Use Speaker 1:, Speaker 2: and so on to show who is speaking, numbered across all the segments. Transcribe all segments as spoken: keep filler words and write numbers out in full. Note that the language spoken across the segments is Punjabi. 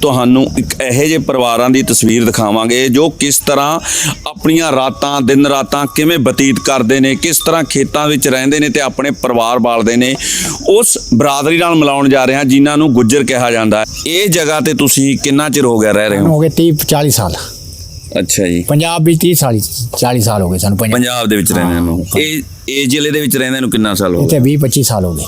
Speaker 1: ਤੁਹਾਨੂੰ ਇੱਕ ਇਹੋ ਜਿਹੇ ਪਰਿਵਾਰਾਂ ਦੀ ਤਸਵੀਰ ਦਿਖਾਵਾਂਗੇ ਜੋ ਕਿਸ ਤਰ੍ਹਾਂ ਆਪਣੀਆਂ ਰਾਤਾਂ ਦਿਨ ਰਾਤਾਂ ਕਿਵੇਂ ਬਤੀਤ ਕਰਦੇ ਨੇ, ਕਿਸ ਤਰ੍ਹਾਂ ਖੇਤਾਂ ਵਿੱਚ ਰਹਿੰਦੇ ਨੇ ਤੇ ਆਪਣੇ ਪਰਿਵਾਰ ਪਾਲਦੇ ਨੇ। ਉਸ ਬਰਾਦਰੀ ਨਾਲ ਮਿਲਾਉਣ ਜਾ ਰਹੇ ਹਾਂ ਜਿਨ੍ਹਾਂ ਨੂੰ ਗੁੱਜਰ ਕਿਹਾ ਜਾਂਦਾ ਹੈ। ਇਹ ਜਗ੍ਹਾ ਤੇ ਤੁਸੀਂ ਕਿੰਨਾ ਚਿਰ ਹੋ ਗਿਆ ਰਹਿ ਰਹੇ ਹੋ?
Speaker 2: ਹੋ ਗਏ तीस चालीस साल।
Speaker 1: ਅੱਛਾ ਜੀ।
Speaker 2: पंजाब भी तीस चालीस साल हो गए सानू
Speaker 1: ਪੰਜਾਬ ਦੇ ਵਿੱਚ ਰਹਿੰਦੇ ਨੂੰ। ਇਹ ਇਹ ਜ਼ਿਲ੍ਹੇ ਦੇ ਵਿੱਚ ਰਹਿੰਦੇ ਨੂੰ ਕਿੰਨਾ ਸਾਲ ਹੋ
Speaker 2: ਇੱਥੇ
Speaker 1: ਗਏ?
Speaker 2: बीस पच्चीस साल हो गए।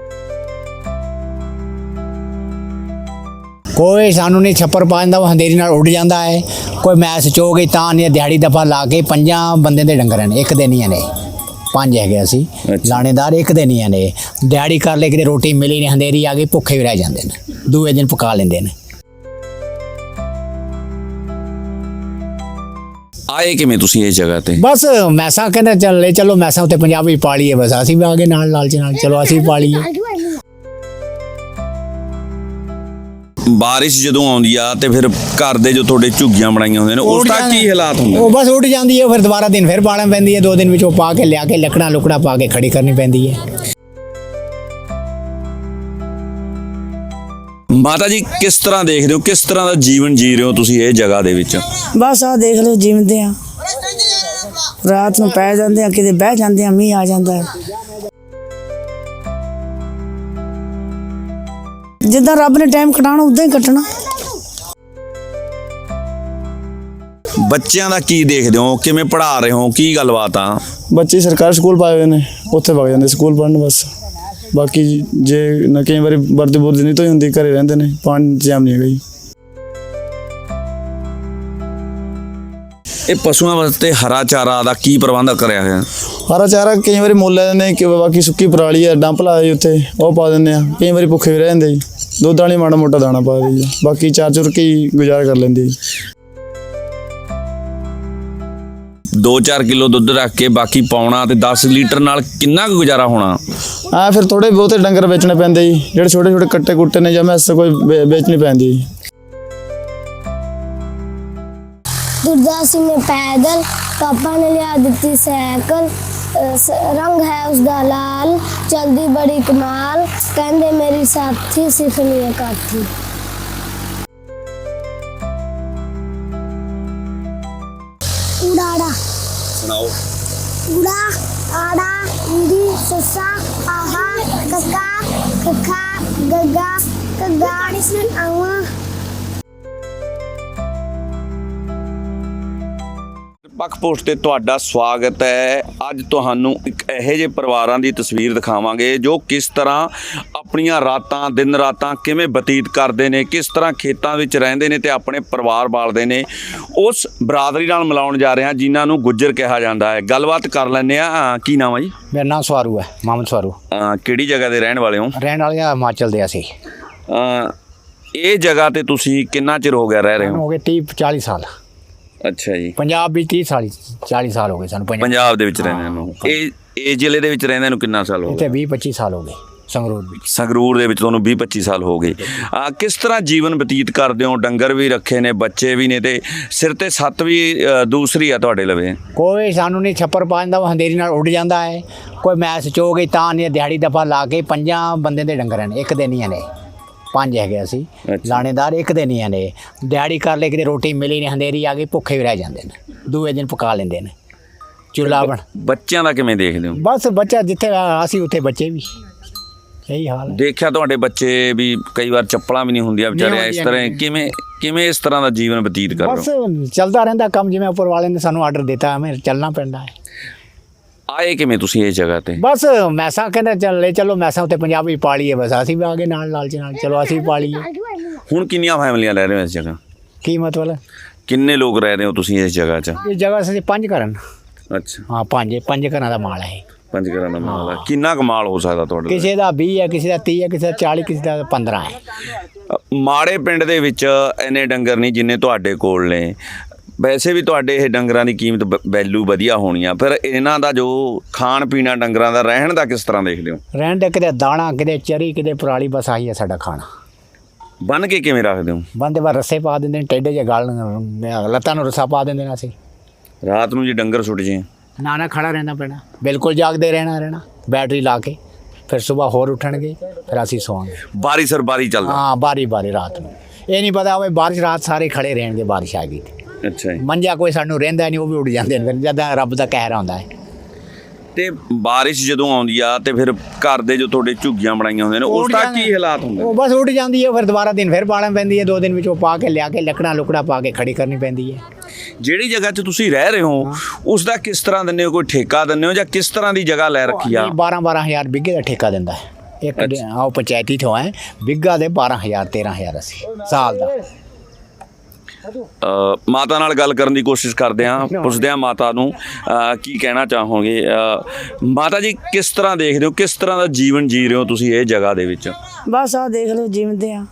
Speaker 2: ਕੋਈ ਸਾਨੂੰ ਨਹੀਂ ਛੱਪਰ ਪਾ ਦਿੰਦਾ, ਉਹ ਹਨੇਰੀ ਨਾਲ ਉੱਡ ਜਾਂਦਾ ਹੈ। ਕੋਈ ਮੈਸ ਚੋ ਗਈ ਤਾਂ ਨਹੀਂ, ਦਿਹਾੜੀ ਦਫਾ ਲਾ ਕੇ ਪੰਜਾਂ ਬੰਦੇ ਦੇ ਡੰਗਰ ਨੇ, ਇੱਕ ਦੇ ਨਹੀਂ ਨੇ, ਪੰਜ ਹੈਗੇ ਅਸੀਂ ਲਾਣੇਦਾਰ, ਇੱਕ ਦੇ ਨਹੀਂ ਨੇ। ਦਿਹਾੜੀ ਕਰ ਲੈ ਕਿਤੇ ਰੋਟੀ ਮਿਲੀ ਨਹੀਂ, ਹਨੇਰੀ ਆ ਗਈ, ਭੁੱਖੇ ਵੀ ਰਹਿ ਜਾਂਦੇ ਨੇ, ਦੂਏ ਦਿਨ ਪਕਾ ਲੈਂਦੇ ਨੇ।
Speaker 1: ਆਏ ਕਿਵੇਂ ਤੁਸੀਂ ਇਸ ਜਗ੍ਹਾ ਤੇ?
Speaker 2: ਬਸ ਮੈਸਾਂ ਕਹਿੰਦੇ ਚੱਲ ਲੈ ਚਲੋ, ਮੈਸਾਂ ਉੱਤੇ ਪੰਜਾਬੀ ਪਾਲੀਏ, ਬਸ ਅਸੀਂ ਵੀ ਆ ਗਏ ਨਾਲ ਲਾਲਚ ਨਾਲ, ਚਲੋ ਅਸੀਂ ਵੀ ਪਾਲੀਏ।
Speaker 1: ਬਾਰਿਸ਼ ਜਦੋਂ ਆਉਂਦੀ ਆ ਤੇ ਫਿਰ ਘਰ ਦੇ ਜੋ ਤੁਹਾਡੇ ਝੁੱਗੀਆਂ ਬਣਾਈਆਂ ਹੁੰਦੀਆਂ ਨੇ ਉਸ ਦਾ ਕੀ ਹਾਲਾਤ ਹੁੰਦੇ?
Speaker 2: ਉਹ ਬਸ ਉੱਡ ਜਾਂਦੀ ਹੈ, ਫਿਰ ਦੁਬਾਰਾ ਦਿਨ ਫਿਰ ਬਾਲਣ ਪੈਂਦੀ ਹੈ, ਦੋ ਦਿਨ ਵਿੱਚ ਉਹ ਪਾ ਕੇ ਲਿਆ ਕੇ ਲੱਕੜਾਂ ਲੁਕੜਾ ਪਾ ਕੇ ਖੜੀ ਕਰਨੀ ਪੈਂਦੀ ਹੈ।
Speaker 1: ਮਾਤਾ ਜੀ ਕਿਸ ਤਰ੍ਹਾਂ ਦੇਖਦੇ ਹੋ, ਕਿਸ ਤਰ੍ਹਾਂ ਦਾ ਜੀਵਨ ਜੀ ਰਹੇ ਹੋ ਤੁਸੀਂ ਇਹ ਜਗ੍ਹਾ ਦੇ ਵਿੱਚ?
Speaker 3: ਬਸ ਆ ਦੇਖ ਲਓ, ਜਿਉਂਦੇ ਆ, ਰਾਤ ਨੂੰ ਪੈ ਜਾਂਦੇ ਆ, ਕਿਤੇ ਬਹਿ ਜਾਂਦੇ ਆ, ਮੀਂਹ ਆ ਜਾਂਦਾ ਹੈ। ਜਿੱਦਾਂ ਰੱਬ ਨੇ ਟਾਈਮ ਕਟਾਉਣਾ ਉਦਾਂ ਹੀ ਕੱਟਣਾ।
Speaker 1: ਬੱਚਿਆਂ ਦਾ ਕੀ ਦੇਖਦੇ ਹੋ, ਕਿਵੇਂ ਪੜ੍ਹਾ ਰਹੇ ਹੋ, ਕੀ ਗੱਲਬਾਤ ਆ?
Speaker 4: ਬੱਚੇ ਸਰਕਾਰੀ ਸਕੂਲ ਪਾਏ ਹੋਏ ਨੇ, ਉੱਥੇ ਵਗ ਜਾਂਦੇ ਸਕੂਲ ਪੜ੍ਹਨ ਬਸ। ਬਾਕੀ ਜੇ ਨਾ ਕਈ ਵਾਰੀ ਵਰਦੀ ਬੁਰਦੀ ਨਹੀਂ ਧੋਈ ਹੁੰਦੀ, ਘਰੇ ਰਹਿੰਦੇ ਨੇ, ਪਾਣੀ ਇੰਤਜ਼ਾਮ ਨਹੀਂ ਹੈਗਾ ਜੀ।
Speaker 1: ਇਹ ਪਸ਼ੂਆਂ ਵਾਸਤੇ ਹਰਾ ਚਾਰਾ ਦਾ ਕੀ ਪ੍ਰਬੰਧ ਕਰਿਆ ਹੋਇਆ?
Speaker 4: ਹਰਾ ਚਾਰਾ ਕਈ ਵਾਰੀ ਮੁੱਲ ਲੈ ਦਿੰਦੇ ਕਿ ਬਾਕੀ ਸੁੱਕੀ ਪਰਾਲੀ ਆ, ਡੰਪ ਲਾਇਆ ਜੀ ਉੱਥੇ, ਉਹ ਪਾ ਦਿੰਦੇ ਆ। ਕਈ ਵਾਰੀ ਭੁੱਖੇ ਵੀ ਰਹਿ ਜਾਂਦੇ ਜੀ, ਦੁੱਧ ਵਾਲੀ ਮਾੜਾ ਮੋਟਾ ਦਾਣਾ ਪਾ ਦੇ ਜੀ, ਬਾਕੀ ਚਾਰ ਚੁਰ ਕੇ ਹੀ ਗੁਜ਼ਾਰਾ ਕਰ ਲੈਂਦੇ ਜੀ।
Speaker 1: ਦੋ ਚਾਰ ਕਿਲੋ ਦੁੱਧ ਰੱਖ ਕੇ ਬਾਕੀ ਪਾਉਣਾ ਤੇ ਦਸ ਲੀਟਰ ਨਾਲ ਕਿੰਨਾ ਕੁ ਗੁਜ਼ਾਰਾ ਹੋਣਾ?
Speaker 4: ਆ ਫਿਰ ਥੋੜੇ ਬਹੁਤੇ ਡੰਗਰ ਵੇਚਣੇ ਪੈਂਦੇ ਜੀ, ਜਿਹੜੇ ਛੋਟੇ ਛੋਟੇ ਕੱਟੇ ਕੁੱਟੇ ਨੇ ਜਾਂ ਮੈਸ ਕੋਈ ਵੇ- ਵੇਚਣੀ ਪੈਂਦੀ ਜੀ।
Speaker 5: दुर्दासी में पैदल, पापा ने लिया दी साइकिल, रंग है उसका लाल, चलदी बड़ी कमाल, कहंदे मेरी साथी सिखनी है काठी। उड़ाड़ा
Speaker 1: सुनाओ।
Speaker 5: उड़ा आड़ा ईड़ी ससा आहा कका कखा गगा कगा आवा।
Speaker 1: ਪੱਖ ਪੋਸਟ ਤੇ ਤੁਹਾਡਾ ਸਵਾਗਤ ਹੈ। ਅੱਜ ਤੁਹਾਨੂੰ ਇੱਕ ਇਹੋ ਜਿਹੇ ਪਰਿਵਾਰਾਂ ਦੀ ਤਸਵੀਰ ਦਿਖਾਵਾਂਗੇ ਜੋ ਕਿਸ ਤਰ੍ਹਾਂ ਆਪਣੀਆਂ ਰਾਤਾਂ ਦਿਨ ਰਾਤਾਂ ਕਿਵੇਂ ਬਤੀਤ ਕਰਦੇ ਨੇ, ਕਿਸ ਤਰ੍ਹਾਂ ਖੇਤਾਂ ਵਿੱਚ ਰਹਿੰਦੇ ਨੇ ਤੇ ਆਪਣੇ ਪਰਿਵਾਰ ਪਾਲਦੇ ਨੇ। ਉਸ ਬਰਾਦਰੀ ਨਾਲ ਮਿਲਾਉਣ ਜਾ ਰਹੇ ਹਾਂ ਜਿਨ੍ਹਾਂ ਨੂੰ ਗੁੱਜਰ ਕਿਹਾ ਜਾਂਦਾ ਹੈ। ਗੱਲਬਾਤ ਕਰ ਲੈਂਦੇ ਆ। ਕੀ ਨਾਮ ਹੈ ਜੀ?
Speaker 2: ਮੇਰਾ ਨਾਮ ਸਵਾਰੂ ਹੈ, ਮੁਹੰਮਦ ਸਵਾਰੂ।
Speaker 1: ਅਹ ਕਿਹੜੀ ਜਗ੍ਹਾ ਦੇ ਰਹਿਣ ਵਾਲੇ ਹੋ?
Speaker 2: ਰਹਿਣ ਵਾਲੇ ਆ ਹਿਮਾਚਲ ਦੇ ਅਸੀਂ।
Speaker 1: ਅਹ ਇਹ ਜਗ੍ਹਾ ਤੇ ਤੁਸੀਂ ਕਿੰਨਾ ਚਿਰ ਹੋ ਗਿਆ ਰਹਿ ਰਹੇ ਹੋ?
Speaker 2: ਹੋ ਗਏ तीस चालीस साल।
Speaker 1: ਅੱਛਾ ਜੀ।
Speaker 2: ਪੰਜਾਬ ਵੀ तीस चालीस साल ਹੋ ਗਏ ਸਾਨੂੰ।
Speaker 1: ਪੰਜਾਬ ਦੇ ਵਿੱਚ ਰਹਿੰਦੇ ਨੂੰ। ਇਹ ਇਹ ਜ਼ਿਲ੍ਹੇ ਦੇ ਵਿੱਚ ਰਹਿੰਦੇ ਨੂੰ ਕਿੰਨਾ ਸਾਲ ਹੋ
Speaker 2: ਇੱਥੇ
Speaker 1: ਗਏ?
Speaker 2: बीस पच्चीस साल ਹੋ ਗਏ ਸੰਗਰੂਰ ਵਿੱਚ।
Speaker 1: ਸੰਗਰੂਰ ਦੇ ਵਿੱਚ ਤੁਹਾਨੂੰ ਵੀਹ ਪੱਚੀ ਸਾਲ ਹੋ ਗਏ। ਆ ਕਿਸ ਤਰ੍ਹਾਂ ਜੀਵਨ ਬਤੀਤ ਕਰਦੇ ਹੋ? ਡੰਗਰ ਵੀ ਰੱਖੇ ਨੇ, ਬੱਚੇ ਵੀ ਨੇ ਤੇ ਸਿਰ ਤੇ ਸੱਤ ਵੀ ਅ, ਦੂਸਰੀ ਆ ਤੁਹਾਡੇ ਲਵੇ।
Speaker 2: ਕੋਈ ਸਾਨੂੰ ਨਹੀਂ ਛੱਪਰ ਪਾ ਦਿੰਦਾ, ਉਹ ਹਨੇਰੀ ਨਾਲ ਉੱਡ ਜਾਂਦਾ ਹੈ। ਕੋਈ ਮੈਸ ਚੋ ਗਈ ਤਾਂ ਨਹੀਂ, ਦਿਹਾੜੀ ਦਫਾ ਲਾ ਕੇ ਪੰਜਾਂ ਬੰਦੇ ਦੇ ਡੰਗਰ ਨੇ, ਇੱਕ ਦੇ ਨਹੀਂ ਨੇ, ਪੰਜ ਹੈਗੇ ਅਸੀਂ ਲਾਣੇਦਾਰ, ਇੱਕ ਦੇ ਨਹੀਂ ਨੇ। ਦਿਹਾੜੀ ਕਰ ਲੈ ਕਿਤੇ ਰੋਟੀ ਮਿਲੀ ਨਹੀਂ, ਹਨੇਰੀ ਆ ਗਈ, ਭੁੱਖੇ ਵੀ ਰਹਿ ਜਾਂਦੇ ਨੇ, ਦੂਏ ਦਿਨ ਪਕਾ ਲੈਂਦੇ ਨੇ। ਚੁੱਲ੍ਹਾ ਬਣ।
Speaker 1: ਬੱਚਿਆਂ ਦਾ ਕਿਵੇਂ ਦੇਖਦੇ ਹੋ?
Speaker 2: ਬਸ ਬੱਚਾ ਜਿੱਥੇ ਅਸੀਂ ਉੱਥੇ ਬੱਚੇ ਵੀ, ਇਹੀ ਹਾਲ ਹੈ।
Speaker 1: ਦੇਖਿਆ ਤੁਹਾਡੇ ਬੱਚੇ ਵੀ ਕਈ ਵਾਰ ਚੱਪਲਾਂ ਵੀ ਨਹੀਂ ਹੁੰਦੀਆਂ ਵਿਚਾਰੇ, ਇਸ ਤਰ੍ਹਾਂ ਕਿਵੇਂ ਕਿਵੇਂ ਇਸ ਤਰ੍ਹਾਂ ਦਾ ਜੀਵਨ ਬਤੀਤ ਕਰ
Speaker 2: ਬਸ
Speaker 1: ਰਹੇ ਹੋ?
Speaker 2: ਚੱਲਦਾ ਰਹਿੰਦਾ ਕੰਮ, ਜਿਵੇਂ ਉੱਪਰ ਵਾਲੇ ਨੇ ਸਾਨੂੰ ਆਰਡਰ ਦਿੱਤਾ, ਹमें ਚੱਲਣਾ ਪੈਂਦਾ ਹੈ।
Speaker 1: ਆਏ ਕਿਵੇਂ ਤੁਸੀਂ ਇਸ ਜਗ੍ਹਾ ਤੇ?
Speaker 2: ਬਸ ਮੈਸਾਂ ਕਹਿੰਦੇ ਚੱਲ ਲੈ ਚਲੋ, ਮੈਸਾਂ ਉੱਤੇ ਪੰਜਾਬੀ ਪਾਲੀਏ, ਬਸ ਅਸੀਂ ਵੀ ਆ ਗਏ ਨਾਲ ਲਾਲਚ ਨਾਲ, ਚਲੋ ਅਸੀਂ ਵੀ ਪਾਲੀਏ।
Speaker 1: ਹੁਣ ਕਿੰਨੀਆਂ ਫੈਮਲੀਆਂ ਰਹਿ ਰਹੇ ਹੋ ਇਸ ਜਗ੍ਹਾ?
Speaker 2: ਕੀ ਮਤਲਬ?
Speaker 1: ਕਿੰਨੇ ਲੋਕ ਰਹਿ ਰਹੇ ਹੋ ਤੁਸੀਂ ਇਸ ਜਗ੍ਹਾ 'ਚ?
Speaker 2: ਇਹ ਜਗ੍ਹਾ ਅਸੀਂ ਪੰਜ ਘਰਾਂ।
Speaker 1: ਅੱਛਾ,
Speaker 2: ਹਾਂ ਪੰਜ ਪੰਜ ਘਰਾਂ ਦਾ ਮਾਲ ਹੈ।
Speaker 1: ਪੰਜ ਘਰਾਂ ਦਾ ਮਾਲ ਹੈ। ਕਿੰਨਾ ਕਮਾਲ ਹੋ ਸਕਦਾ ਤੁਹਾਡੇ?
Speaker 2: ਕਿਸੇ ਦਾ ਵੀਹ ਹੈ, ਕਿਸੇ ਦਾ ਤੀਹ ਹੈ, ਕਿਸੇ ਦਾ ਚਾਲੀ, ਕਿਸੇ ਦਾ ਪੰਦਰਾਂ ਹੈ।
Speaker 1: ਮਾੜੇ ਪਿੰਡ ਦੇ ਵਿੱਚ ਇੰਨੇ ਡੰਗਰ ਨਹੀਂ ਜਿੰਨੇ ਤੁਹਾਡੇ ਕੋਲ ਨੇ। ਵੈਸੇ ਵੀ ਤੁਹਾਡੇ ਇਹ ਡੰਗਰਾਂ ਦੀ ਕੀਮਤ ਵੈਲਿਊ ਵਧੀਆ ਹੋਣੀ ਆ, ਫਿਰ ਇਹਨਾਂ ਦਾ ਜੋ ਖਾਣ ਪੀਣਾ ਡੰਗਰਾਂ ਦਾ ਰਹਿਣ ਦਾ ਕਿਸ ਤਰ੍ਹਾਂ ਦੇਖਦੇ ਹੋ?
Speaker 2: ਰਹਿਣ ਦੇ ਕਿਤੇ ਦਾਣਾ, ਕਿਤੇ ਚਰੀ, ਕਿਤੇ ਪਰਾਲੀ, ਬਸ ਆਹੀ ਹੈ ਸਾਡਾ ਖਾਣਾ।
Speaker 1: ਬੰਨ ਕੇ ਕਿਵੇਂ ਰੱਖਦੇ ਹੋ?
Speaker 2: ਬੰਦੇ ਬਾਅਦ ਰੱਸੇ ਪਾ ਦਿੰਦੇ ਨੇ, ਟੇਡੇ ਜਿਹੇ ਗਲ ਲੱਤਾਂ ਨੂੰ ਰੱਸਾ ਪਾ ਦਿੰਦੇ ਨੇ ਅਸੀਂ।
Speaker 1: ਰਾਤ ਨੂੰ ਜੇ ਡੰਗਰ ਸੁੱਟ ਜੇ?
Speaker 2: ਨਾ ਨਾ ਖੜਾ ਰਹਿਣਾ ਪੈਣਾ, ਬਿਲਕੁਲ ਜਾਗਦੇ ਰਹਿਣਾ ਰਹਿਣਾ ਬੈਟਰੀ ਲਾ ਕੇ। ਫਿਰ ਸਵੇਰ ਹੋਰ ਉੱਠਣਗੇ, ਫਿਰ ਅਸੀਂ ਸੋਵਾਂਗੇ।
Speaker 1: ਬਾਰੀ ਸਰ ਬਾਰੀ ਚੱਲਦਾ?
Speaker 2: ਹਾਂ ਬਾਰੀ ਬਾਰੀ ਰਾਤ ਨੂੰ। ਇਹ ਨਹੀਂ ਪਤਾ ਹੋਵੇ ਬਾਰਿਸ਼ ਰਾਤ ਸਾਰੇ ਖੜੇ ਰਹਿਣਗੇ, ਬਾਰਿਸ਼ ਆ ਗਈ
Speaker 1: ਅੱਛਾ ਜੀ।
Speaker 2: ਮੰਜਾ ਕੋਈ ਸਾਨੂੰ ਰਹਿੰਦਾ ਨਹੀਂ, ਉਹ ਵੀ ਉੱਡ ਜਾਂਦੇ ਨੇ ਫਿਰ ਜਦਾਂ ਰੱਬ ਦਾ ਕਹਿਰ ਆਉਂਦਾ ਹੈ।
Speaker 1: ਤੇ ਬਾਰਿਸ਼ ਜਦੋਂ ਆਉਂਦੀ ਆ ਤੇ ਫਿਰ ਘਰ ਦੇ ਜੋ ਤੁਹਾਡੇ ਝੁੱਗੀਆਂ ਬਣਾਈਆਂ ਹੁੰਦੀਆਂ ਨੇ ਉਸ ਦਾ ਕੀ ਹਾਲਾਤ ਹੁੰਦੇ?
Speaker 2: ਉਹ ਬਸ ਉੱਡ ਜਾਂਦੀ ਹੈ, ਫਿਰ ਦੁਬਾਰਾ ਦਿਨ ਫਿਰ ਪਾਲਣ ਪੈਂਦੀ ਹੈ, ਦੋ ਦਿਨ ਵਿੱਚ ਉਹ ਪਾ ਕੇ ਲਿਆ ਕੇ ਲੱਕੜਾਂ ਲੁਕੜਾ ਪਾ ਕੇ ਖੜੀ ਕਰਨੀ ਪੈਂਦੀ ਹੈ।
Speaker 1: ਜਿਹੜੀ ਜਗ੍ਹਾ 'ਚ ਤੁਸੀਂ ਰਹਿ ਰਹੇ ਹੋ ਉਸ ਦਾ ਕਿਸ ਤਰ੍ਹਾਂ ਦਿੰਦੇ ਹੋ? ਕੋਈ ਠੇਕਾ ਦਿੰਦੇ ਹੋ ਜਾਂ ਕਿਸ ਤਰ੍ਹਾਂ ਦੀ ਜਗ੍ਹਾ ਲੈ ਰੱਖੀ ਆ?
Speaker 2: ਬਾਰਾਂ ਬਾਰਾਂ ਹਜ਼ਾਰ ਬਿੱਗੇ ਦਾ ਠੇਕਾ ਦਿੰਦਾ ਹੈ ਇੱਕ, ਆਓ ਪੰਚਾਇਤੀ ਤੋਂ ਹੈ ਬਿੱਗਾ ਦੇ ਬਾਰਾਂ ਹਜ਼ਾਰ ਤੇਰਾਂ ਹਜ਼ਾਰ ਅਸੀਂ ਸਾਲ ਦਾ।
Speaker 1: ਅ, ਮਾਤਾ ਨਾਲ ਗੱਲ ਕਰਨ ਦੀ ਕੋਸ਼ਿਸ਼ ਕਰਦੇ ਹਾਂ, ਪੁੱਛਦੇ ਹਾਂ ਮਾਤਾ ਨੂੰ ਅ, ਕੀ ਕਹਿਣਾ ਚਾਹੋਗੇ। ਅ, ਮਾਤਾ ਜੀ ਕਿਸ ਤਰ੍ਹਾਂ ਦੇਖਦੇ ਹੋ, ਕਿਸ ਤਰ੍ਹਾਂ ਦਾ ਜੀਵਨ ਜੀ ਰਹੇ ਹੋ ਤੁਸੀਂ ਇਹ ਜਗ੍ਹਾ ਦੇ ਵਿੱਚ?
Speaker 3: ਬਸ ਆਹ ਦੇਖ ਲਓ ਜਿਮਦੇ ਆ,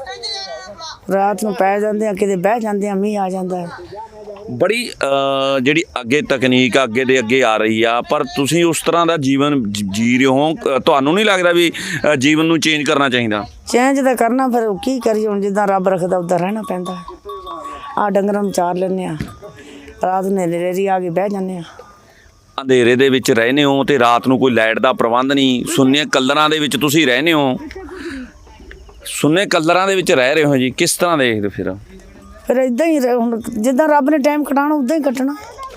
Speaker 3: ਰਾਤ ਨੂੰ ਪੈ ਜਾਂਦੇ ਆ, ਕਿਤੇ ਬਹਿ ਜਾਂਦੇ ਆ, ਮੀਂਹ ਆ ਜਾਂਦਾ ਹੈ।
Speaker 1: ਬੜੀ ਅ, ਜਿਹੜੀ ਅੱਗੇ ਤਕਨੀਕ ਅੱਗੇ ਦੇ ਅੱਗੇ ਆ ਰਹੀ ਆ, ਪਰ ਤੁਸੀਂ ਉਸ ਤਰ੍ਹਾਂ ਦਾ ਜੀਵਨ ਜ- ਜੀ ਰਹੇ ਹੋ। ਅ, ਤੁਹਾਨੂੰ ਨਹੀਂ ਲੱਗਦਾ ਵੀ ਅ, ਜੀਵਨ ਨੂੰ ਚੇਂਜ ਕਰਨਾ ਚਾਹੀਦਾ?
Speaker 3: ਚੇਂਜ ਤਾਂ ਕਰਨਾ, ਫਿਰ ਕੀ ਕਰੀਏ ਹੁਣ, ਜਿੱਦਾਂ ਰੱਬ ਰੱਖਦਾ ਉੱਦਾਂ ਰਹਿਣਾ ਪੈਂਦਾ। ਆਹ ਡੰਗਰਾਂ ਨੂੰ ਚਾਰ ਲੈਂਦੇ ਆ, ਰਾਤ ਨੂੰ ਹਨੇਰੀ ਆ ਕੇ ਬਹਿ ਜਾਂਦੇ ਆ।
Speaker 1: ਅੰਧੇਰੇ ਦੇ ਵਿੱਚ ਰਹਿੰਦੇ ਹੋ ਤੇ ਰਾਤ ਨੂੰ ਕੋਈ ਲਾਈਟ ਦਾ ਪ੍ਰਬੰਧ ਨਹੀਂ, ਸੁੰਨੇ ਕਲਰਾਂ ਦੇ ਵਿੱਚ ਤੁਸੀਂ ਰਹਿੰਦੇ ਹੋ, ਸੁੰਨੇ ਕਲਰਾਂ ਦੇ ਵਿੱਚ ਰਹਿ ਰਹੇ ਹੋ ਜੀ, ਕਿਸ ਤਰ੍ਹਾਂ ਦੇਖਦੇ ਫਿਰ?
Speaker 3: ਫਿਰ ਇਦਾਂ ਹੀ ਰਹਿ- ਹੁਣ ਜਿੱਦਾਂ ਰੱਬ ਨੇ ਟਾਈਮ ਕਟਾਉਣਾ ਉੱਦਾਂ ਹੀ ਕੱਟਣਾ।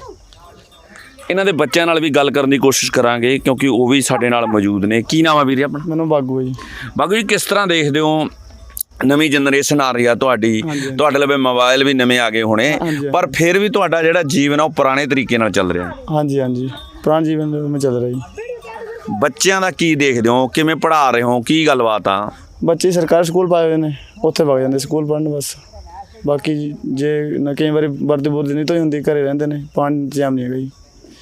Speaker 1: ਇਹਨਾਂ ਦੇ ਬੱਚਿਆਂ ਨਾਲ ਵੀ ਗੱਲ ਕਰਨ ਦੀ ਕੋਸ਼ਿਸ਼ ਕਰਾਂਗੇ ਕਿਉਂਕਿ ਉਹ ਵੀ ਸਾਡੇ ਨਾਲ ਮੌਜੂਦ ਨੇ। ਕੀ ਨਾਮ ਆ ਵੀਰੇ ਆਪਣਾ?
Speaker 4: ਮੈਨੂੰ ਬਾਗੂ ਹੈ ਜੀ।
Speaker 1: ਬਾਗੂ ਜੀ ਕਿਸ ਤਰ੍ਹਾਂ ਦੇਖਦੇ ਹੋ, ਨਵੀਂ ਜਨਰੇਸ਼ਨ ਆ ਰਹੀ ਆ ਤੁਹਾਡੀ, ਤੁਹਾਡੇ ਲਵੇ ਮੋਬਾਈਲ ਵੀ ਨਵੇਂ ਆ ਗਏ ਹੋਣੇ, ਪਰ ਫਿਰ ਵੀ ਤੁਹਾਡਾ ਜਿਹੜਾ ਜੀਵਨ ਆ ਉਹ ਪੁਰਾਣੇ ਤਰੀਕੇ ਨਾਲ ਚੱਲ ਰਿਹਾ?
Speaker 4: ਹਾਂਜੀ ਹਾਂਜੀ, ਪੁਰਾਣਾ ਜੀਵਨ ਮੈਂ ਚੱਲ ਰਿਹਾ ਜੀ।
Speaker 1: ਬੱਚਿਆਂ ਦਾ ਕੀ ਦੇਖਦੇ ਹੋ, ਕਿਵੇਂ ਪੜ੍ਹਾ ਰਹੇ ਹੋ, ਕੀ ਗੱਲਬਾਤ ਆ?
Speaker 4: ਬੱਚੇ ਸਰਕਾਰੀ ਸਕੂਲ ਪਾਏ ਹੋਏ ਨੇ, ਉੱਥੇ ਵਗ ਜਾਂਦੇ ਸਕੂਲ ਪੜ੍ਹਨ ਬਸ। ਬਾਕੀ ਜੇ ਨਾ ਕਈ ਵਾਰੀ ਵਰਦੀ ਬੁਰਦੀ ਨਹੀਂ ਧੋਈ ਹੁੰਦੀ, ਘਰੇ ਰਹਿੰਦੇ ਨੇ, ਪਾਣੀ ਦਾ ਇੰਤਜ਼ਾਮ ਨਹੀਂ ਹੈਗਾ ਜੀ।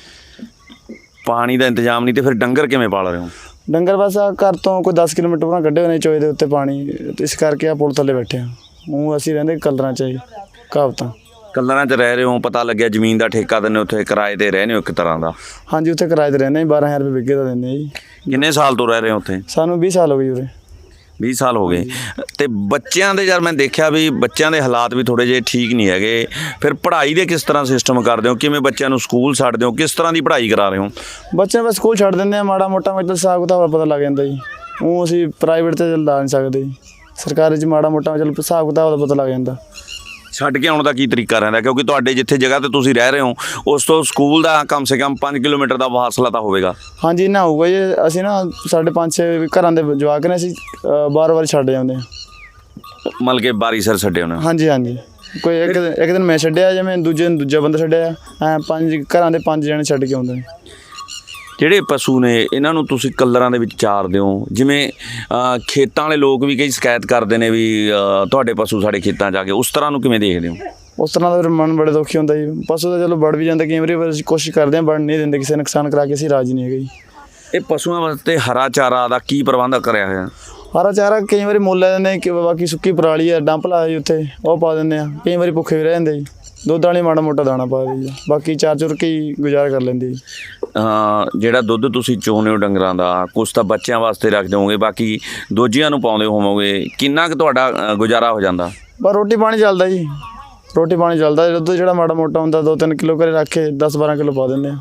Speaker 1: ਪਾਣੀ ਦਾ ਇੰਤਜ਼ਾਮ ਨਹੀਂ ਤੇ ਫਿਰ ਡੰਗਰ ਕਿਵੇਂ ਪਾਲ ਰਹੇ ਹੋ?
Speaker 4: ਡੰਗਰ ਬਸ ਆਹ ਘਰ ਤੋਂ ਕੋਈ ਦਸ ਕਿਲੋਮੀਟਰ ਉਹਨਾਂ ਕੱਢੇ ਹੋਏ ਨੇ ਚੋਏ ਦੇ ਉੱਤੇ ਪਾਣੀ, ਤੇ ਇਸ ਕਰਕੇ ਆ ਪੁਲ ਥੱਲੇ ਬੈਠੇ ਆ। ਉਹ ਅਸੀਂ ਰਹਿੰਦੇ ਕਲਰਾਂ 'ਚ ਜੀ, ਕਹਾਵਤਾਂ।
Speaker 1: ਕਲਰਾਂ 'ਚ ਰਹਿ ਰਹੇ ਹੋ, ਪਤਾ ਲੱਗਿਆ ਜ਼ਮੀਨ ਦਾ ਠੇਕਾ ਦਿੰਦੇ, ਉੱਥੇ ਕਿਰਾਏ ਤੇ ਰਹਿੰਦੇ ਹੋ ਇੱਕ ਤਰ੍ਹਾਂ ਦਾ?
Speaker 4: ਹਾਂਜੀ, ਉੱਥੇ ਕਿਰਾਏ ਤੇ ਰਹਿੰਦੇ ਜੀ, ਬਾਰਾਂ ਹਜ਼ਾਰ ਰੁਪਏ ਵਿਗੇ ਦਾ ਦਿੰਦੇ ਆ ਜੀ।
Speaker 1: ਕਿੰਨੇ ਸਾਲ ਤੋਂ ਰਹਿ ਰਹੇ ਹੋ ਉੱਥੇ?
Speaker 4: ਸਾਨੂੰ ਵੀਹ ਸਾਲ ਹੋ ਗਏ ਉਰੇ।
Speaker 1: ਵੀਹ ਸਾਲ ਹੋ ਗਏ। ਤੇ ਬੱਚਿਆਂ ਦੇ ਯਾਰ ਮੈਂ ਦੇਖਿਆ ਵੀ ਬੱਚਿਆਂ ਦੇ ਹਾਲਾਤ ਵੀ ਥੋੜ੍ਹੇ ਜਿਹੇ ਠੀਕ ਨਹੀਂ ਹੈਗੇ, ਫਿਰ ਪੜ੍ਹਾਈ ਦੇ ਕਿਸ ਤਰ੍ਹਾਂ ਸਿਸਟਮ ਕਰਦੇ ਹੋ? ਕਿਵੇਂ ਬੱਚਿਆਂ ਨੂੰ ਸਕੂਲ ਛੱਡਦੇ ਹੋ, ਕਿਸ ਤਰ੍ਹਾਂ ਦੀ ਪੜ੍ਹਾਈ ਕਰਾ ਰਹੇ ਹੋ?
Speaker 4: ਬੱਚਿਆਂ ਨੂੰ ਬਸ ਸਕੂਲ ਛੱਡ ਦਿੰਦੇ ਆ, ਮਾੜਾ ਮੋਟਾ ਮਤਲਬ ਹਿਸਾਬ ਕਿਤਾਬ ਪਤਾ ਲੱਗ ਜਾਂਦਾ ਜੀ। ਉਹ ਅਸੀਂ ਪ੍ਰਾਈਵੇਟ 'ਤੇ ਲਾ ਨਹੀਂ ਸਕਦੇ ਜੀ, ਸਰਕਾਰੀ 'ਚ ਮਾੜਾ ਮੋਟਾ ਚਲ ਹਿਸਾਬ ਕਿਤਾਬ ਦਾ ਪਤਾ ਲੱਗ ਜਾਂਦਾ।
Speaker 1: ਛੱਡ ਕੇ ਆਉਣ ਦਾ ਕੀ ਤਰੀਕਾ ਰਹਿੰਦਾ? ਕਿਉਂਕਿ ਤੁਹਾਡੇ ਜਿੱਥੇ ਜਗ੍ਹਾ ਤੇ ਤੁਸੀਂ ਰਹਿ ਰਹੇ ਹੋ ਉਸ ਤੋਂ ਸਕੂਲ ਦਾ ਕਮ ਸੇ ਕਮ ਪੰਜ ਕਿਲੋਮੀਟਰ ਦਾ ਫਾਸਲਾ ਤਾਂ ਹੋਵੇਗਾ।
Speaker 4: ਹਾਂਜੀ, ਇੰਨਾ ਹੋਊਗਾ ਜੀ। ਅਸੀਂ ਨਾ ਸਾਡੇ ਪੰਜ ਛੇ ਘਰਾਂ ਦੇ ਜਵਾਕ ਨੇ, ਅਸੀਂ ਬਾਰ ਵਾਰ ਛੱਡ ਜਾਂਦੇ ਹਾਂ।
Speaker 1: ਮਤਲਬ ਕਿ ਬਾਰੀ ਸਰ ਛੱਡੇ ਹੋਣਾ?
Speaker 4: ਹਾਂਜੀ ਹਾਂਜੀ, ਕੋਈ ਇੱਕ ਦਿਨ ਇੱਕ ਦਿਨ ਮੈਂ ਛੱਡਿਆ, ਜਿਵੇਂ ਦੂਜੇ ਦਿਨ ਦੂਜਾ ਬੰਦਾ ਛੱਡਿਆ, ਐਂ ਪੰਜ ਘਰਾਂ ਦੇ ਪੰਜ ਜਣੇ ਛੱਡ ਕੇ ਆਉਂਦੇ ਨੇ।
Speaker 1: ਜਿਹੜੇ ਪਸ਼ੂ ਨੇ ਇਹਨਾਂ ਨੂੰ ਤੁਸੀਂ ਕਲਰਾਂ ਦੇ ਵਿੱਚ ਚਾਰਦੇ ਹੋ, ਜਿਵੇਂ ਅ, ਖੇਤਾਂ ਵਾਲੇ ਲੋਕ ਵੀ ਕਈ ਸ਼ਿਕਾਇਤ ਕਰਦੇ ਨੇ ਵੀ ਅ, ਤੁਹਾਡੇ ਪਸ਼ੂ ਸਾਡੇ ਖੇਤਾਂ 'ਚ ਆ ਕੇ, ਉਸ ਤਰ੍ਹਾਂ ਨੂੰ ਕਿਵੇਂ ਦੇਖਦੇ ਹੋ?
Speaker 4: ਉਸ ਤਰ੍ਹਾਂ ਦਾ ਫਿਰ ਮਨ ਬੜੇ ਦੁਖੀ ਹੁੰਦਾ ਜੀ। ਪਸ਼ੂ ਤਾਂ ਚਲੋ ਵੜ ਵੀ ਜਾਂਦੇ ਕਈ ਵਾਰੀ, ਪਰ ਅਸੀਂ ਕੋਸ਼ਿਸ਼ ਕਰਦੇ ਹਾਂ ਵੜ ਨਹੀਂ ਦਿੰਦੇ, ਕਿਸੇ ਨੁਕਸਾਨ ਕਰਾ ਕੇ ਅਸੀਂ ਰਾਜੀ ਨਹੀਂ ਹੈਗੇ ਜੀ।
Speaker 1: ਇਹ ਪਸ਼ੂਆਂ ਵਾਸਤੇ ਹਰਾ ਚਾਰਾ ਦਾ ਕੀ ਪ੍ਰਬੰਧ ਕਰਿਆ ਹੋਇਆ?
Speaker 4: ਹਰਾ ਚਾਰਾ ਕਈ ਵਾਰੀ ਮੁੱਲ ਲੈ ਦਿੰਦੇ ਕਿ ਬਾਕੀ ਸੁੱਕੀ ਪਰਾਲੀ ਆ, ਡੰਪ ਲਾ ਜੀ ਉੱਥੇ, ਉਹ ਪਾ ਦਿੰਦੇ ਆ। ਕਈ ਵਾਰੀ ਭੁੱਖੇ ਵੀ ਰਹਿ ਜਾਂਦੇ ਜੀ, ਦੁੱਧ ਵਾਲੀ ਮਾੜਾ ਮੋਟਾ ਦਾਣਾ ਪਾ ਦੇ ਜੀ, ਬਾਕੀ ਚਾਰ ਚੁਰ ਕੇ ਹੀ ਗੁਜ਼ਾਰਾ ਕਰ ਲੈਂਦੇ ਜੀ।
Speaker 1: ਅ, ਜਿਹੜਾ ਦੁੱਧ ਤੁਸੀਂ ਚੋਣੇ ਹੋ ਡੰਗਰਾਂ ਦਾ, ਕੁਛ ਤਾਂ ਬੱਚਿਆਂ ਵਾਸਤੇ ਰੱਖਦੇ ਹੋਵੋਗੇ, ਬਾਕੀ ਦੋਜੀਆਂ ਨੂੰ ਪਾਉਂਦੇ ਹੋਵੋਗੇ, ਕਿੰਨਾ ਕੁ ਤੁਹਾਡਾ ਅ, ਗੁਜ਼ਾਰਾ ਹੋ ਜਾਂਦਾ?
Speaker 4: ਪਰ ਰੋਟੀ ਪਾਣੀ ਚੱਲਦਾ ਜੀ, ਰੋਟੀ ਪਾਣੀ ਚੱਲਦਾ। ਦੁੱਧ ਜਿਹੜਾ ਮਾੜਾ ਮੋਟਾ ਹੁੰਦਾ ਦੋ ਤਿੰਨ ਕਿਲੋ ਘਰੇ ਰੱਖ ਕੇ ਦਸ ਬਾਰਾਂ ਕਿਲੋ ਪਾ ਦਿੰਦੇ ਆ।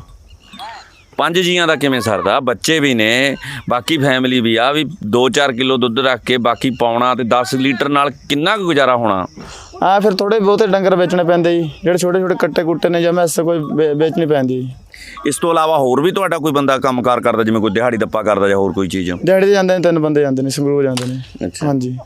Speaker 1: ਪੰਜ ਜੀਆਂ ਦਾ ਕਿਵੇਂ ਸਰਦਾ? ਬੱਚੇ ਵੀ ਨੇ, ਬਾਕੀ ਫੈਮਿਲੀ ਵੀ ਆ, ਵੀ ਦੋ ਚਾਰ ਕਿਲੋ ਦੁੱਧ ਰੱਖ ਕੇ ਬਾਕੀ ਪਾਉਣਾ ਤੇ ਦਸ ਲੀਟਰ ਨਾਲ ਕਿੰਨਾ ਕੁ ਗੁਜ਼ਾਰਾ ਹੋਣਾ?
Speaker 4: ਆ ਫਿਰ ਥੋੜੇ ਬਹੁਤੇ ਡੰਗਰ ਵੇਚਣੇ ਪੈਂਦੇ ਜੀ, ਜਿਹੜੇ ਛੋਟੇ ਛੋਟੇ ਕੱਟੇ ਕੁੱਟੇ ਨੇ ਜਾਂ ਮੈਸ ਕੋਈ ਵੇ- ਵੇਚਣੀ ਪੈਂਦੀ ਜੀ।
Speaker 1: ਇਸ ਤੋਂ ਇਲਾਵਾ ਹੋਰ ਵੀ ਤੁਹਾਡਾ ਕੋਈ ਬੰਦਾ ਕੰਮਕਾਰ ਕਰਦਾ, ਜਿਵੇਂ ਕੋਈ ਦਿਹਾੜੀ ਦੱਪਾ ਕਰਦਾ ਜਾਂ ਹੋਰ ਕੋਈ ਚੀਜ਼?
Speaker 4: ਦਿਹਾੜੀ ਤੇ ਜਾਂਦੇ ਨੇ, ਤਿੰਨ ਬੰਦੇ ਜਾਂਦੇ ਨੇ, ਸੰਗਰੂਰ ਜਾਂਦੇ ਨੇ।
Speaker 1: ਅੱਛਾ।
Speaker 4: ਹਾਂਜੀ,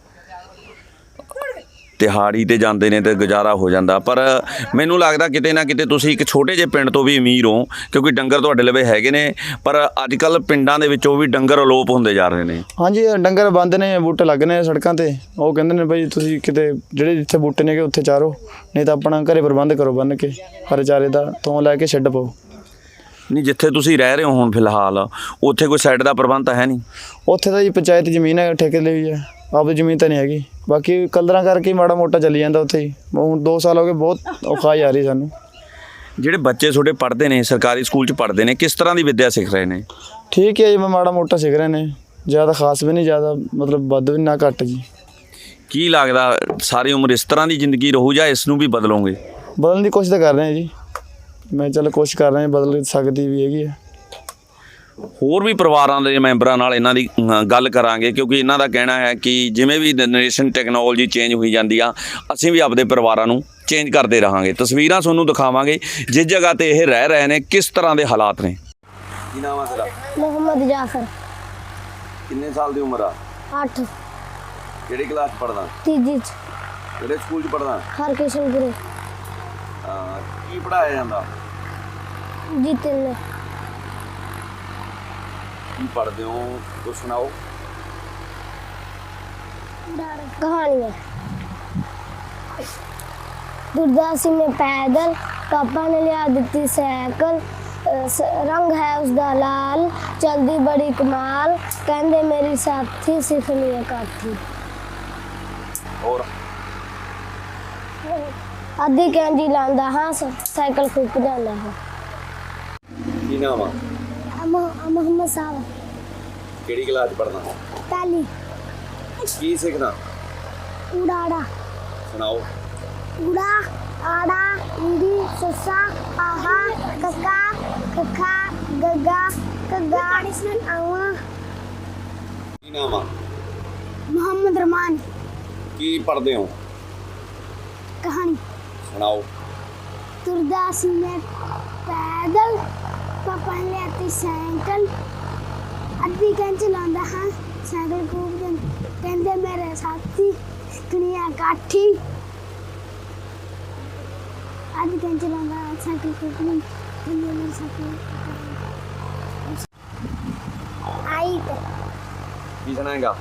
Speaker 1: ਦਿਹਾੜੀ ਤੇ ਜਾਂਦੇ ਨੇ ਤੇ ਗੁਜ਼ਾਰਾ ਹੋ ਜਾਂਦਾ, ਪਰ ਮੈਨੂੰ ਲੱਗਦਾ ਕਿਤੇ ਨਾ ਕਿਤੇ ਤੁਸੀਂ ਇੱਕ ਛੋਟੇ ਜਿਹੇ ਪਿੰਡ ਤੋਂ ਵੀ ਅਮੀਰ ਹੋ, ਕਿਉਂਕਿ ਡੰਗਰ ਤੁਹਾਡੇ ਲਵੇ ਹੈਗੇ ਨੇ, ਪਰ ਅੱਜ ਕੱਲ ਪਿੰਡਾਂ ਦੇ ਵਿੱਚੋਂ ਵੀ ਡੰਗਰ ਅਲੋਪ ਹੁੰਦੇ ਜਾ ਰਹੇ ਨੇ।
Speaker 4: ਹਾਂਜੀ, ਡੰਗਰ ਬੰਦ ਨੇ, ਬੂਟੇ ਲੱਗ ਨੇ ਸੜਕਾਂ ਤੇ। ਉਹ ਕਹਿੰਦੇ ਨੇ ਬਈ ਤੁਸੀਂ ਕਿਤੇ ਜਿਹੜੇ ਜਿੱਥੇ ਬੂਟੇ ਨੇ ਉੱਥੇ ਚਾਰੋ, ਨਹੀਂ ਤਾਂ ਆਪਣਾ ਘਰੇ ਪ੍ਰਬੰਧ ਕਰੋ ਬੰਨ੍ਹ ਕੇ ਹਰੇ ਚਾਰੇ ਦਾ, ਤੋਂ ਲੈ ਕੇ ਛੱਡ ਪਾਓ।
Speaker 1: ਨਹੀਂ, ਜਿੱਥੇ ਤੁਸੀਂ ਰਹਿ ਰਹੇ ਹੋ ਹੁਣ ਫਿਲਹਾਲ, ਉੱਥੇ ਕੋਈ ਸਾਈਡ ਦਾ ਪ੍ਰਬੰਧ ਤਾਂ ਹੈ ਨਹੀਂ?
Speaker 4: ਉੱਥੇ ਤਾਂ ਜੀ ਪੰਚਾਇਤ ਜ਼ਮੀਨ ਹੈ, ਠੇਕੇ ਲਈ ਵੀ ਹੈ, ਆਪਦੀ ਜ਼ਮੀਨ ਤਾਂ ਨਹੀਂ ਹੈਗੀ। ਬਾਕੀ ਕਲਰਾਂ ਕਰਕੇ ਮਾੜਾ ਮੋਟਾ ਚੱਲੀ ਜਾਂਦਾ ਉੱਥੇ ਹੀ। ਹੁਣ ਦੋ ਸਾਲ ਹੋ ਗਏ, ਬਹੁਤ ਔਖਾ ਆ ਰਹੀ ਸਾਨੂੰ।
Speaker 1: ਜਿਹੜੇ ਬੱਚੇ ਤੁਹਾਡੇ ਪੜ੍ਹਦੇ ਨੇ, ਸਰਕਾਰੀ ਸਕੂਲ 'ਚ ਪੜ੍ਹਦੇ ਨੇ, ਕਿਸ ਤਰ੍ਹਾਂ ਦੀ ਵਿੱਦਿਆ ਸਿੱਖ ਰਹੇ ਨੇ?
Speaker 4: ਠੀਕ ਹੈ ਜੀ, ਮੈਂ ਮਾੜਾ ਮੋਟਾ ਸਿੱਖ ਰਹੇ ਨੇ, ਜ਼ਿਆਦਾ ਖਾਸ ਵੀ ਨਹੀਂ, ਜ਼ਿਆਦਾ ਮਤਲਬ ਵੱਧ ਵੀ ਨਾ ਘੱਟ ਜੀ।
Speaker 1: ਕੀ ਲੱਗਦਾ ਸਾਰੀ ਉਮਰ ਇਸ ਤਰ੍ਹਾਂ ਦੀ ਜ਼ਿੰਦਗੀ ਰਹੂ ਜਾਂ ਇਸ ਨੂੰ ਵੀ ਬਦਲੋਗੇ?
Speaker 4: ਬਦਲਣ ਦੀ ਕੋਸ਼ਿਸ਼ ਤਾਂ ਕਰ ਰਹੇ ਹਾਂ ਜੀ। ਮੈਂ ਚੱਲ ਕੋਸ਼ਿਸ਼ ਕਰ ਰਿਹਾ, ਬਦਲ ਸਕਦੀ ਵੀ ਹੈਗੀ ਹੈ।
Speaker 1: ਹੋਰ ਵੀ ਪਰਿਵਾਰਾਂ ਦੇ ਮੈਂਬਰਾਂ ਨਾਲ ਇਹਨਾਂ ਦੀ ਅ, ਗੱਲ ਕਰਾਂਗੇ, ਕਿਉਂਕਿ ਇਹਨਾਂ ਦਾ ਕਹਿਣਾ ਹੈ ਕਿ ਜਿਵੇਂ ਵੀ ਜਨਰੇਸ਼ਨ ਟੈਕਨੋਲੋਜੀ ਚੇਂਜ ਹੋਈ ਜਾਂਦੀ ਆ, ਅਸੀਂ ਵੀ ਆਪਦੇ ਪਰਿਵਾਰਾਂ ਨੂੰ ਚੇਂਜ ਕਰਦੇ ਰਹਾਂਗੇ। ਤਸਵੀਰਾਂ ਤੁਹਾਨੂੰ ਦਿਖਾਵਾਂਗੇ ਜਿਸ ਜਗ੍ਹਾ ਤੇ ਇਹ ਰਹਿ ਰਹੇ ਨੇ ਕਿਸ ਤਰ੍ਹਾਂ ਦੇ ਹਾਲਾਤ ਨੇ। ਕੀ ਨਾਮ ਆ ਤੇਰਾ?
Speaker 5: मोहम्मद जाफर
Speaker 1: ਕਿੰਨੇ ਸਾਲ ਦੀ ਉਮਰ ਆ?
Speaker 5: आठ
Speaker 1: ਕਿਹੜੀ ਕਲਾਸ ਪੜ੍ਹਦਾ?
Speaker 5: तीजी च
Speaker 1: ਕਿਹੜੇ ਸਕੂਲ 'ਚ ਪੜ੍ਹਦਾ?
Speaker 5: हर किशनपुरे
Speaker 1: ਕੀ ਪੜ੍ਹਾਇਆ ਜਾਂਦਾ?
Speaker 5: जीते ने
Speaker 1: ਕੀ ਪੜ੍ਹਦੇ ਹੋ ਕੁਛ ਸੁਣਾਓ।
Speaker 5: कहानियाँ दुर्दासी में पैदल पापा ने लिया दी साइकिल अ, स- रंग है उसका लाल चलदी बड़ी कमाल कहंदे मेरी साथी सिखनी है काठी
Speaker 1: ਹੋਰ
Speaker 5: अद्धी कैंजी लांदा हाँ साइकिल फूक जांदा है
Speaker 1: ਕੀ ਨਾਮ ਆ?
Speaker 5: मोहम्मद साहब
Speaker 1: ਕਿਹੜੀ ਕਲਾਸ 'ਚ ਪੜ੍ਹਦਾ?
Speaker 5: पहली
Speaker 1: ਕੀ ਸਿੱਖਦਾ?
Speaker 5: उड़ाड़ा
Speaker 1: ਸੁਣਾਓ।
Speaker 5: उड़ा आड़ा ईड़ी ससा आहा कका कखा गगा कगा आवा
Speaker 1: ਕੀ ਨਾਮ ਆ?
Speaker 5: मोहम्मद रमान
Speaker 1: ਕੀ ਪੜ੍ਹਦੇ ਹੋ?
Speaker 5: कहानी
Speaker 1: ਸੁਣਾਓ।
Speaker 5: तुरदासी में पैदल पापा ने लेती साइकिल अद्धी कैं चलांदा हाँ साइकिल खूब जन कहंदे मेरे साथी कनिया काठी अद्धी कैं चलांदा साइकिल खूब जन कहंदे मेरे साथी आई
Speaker 1: ਕੀ ਸੁਣਾਏਗਾ?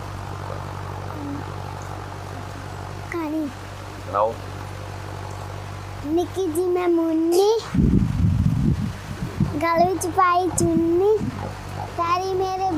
Speaker 5: कहानी
Speaker 1: ਸੁਣਾਓ।
Speaker 5: निक्की जी मैं मुन्नी गल विच पाई चुन्नी पैरी मेरे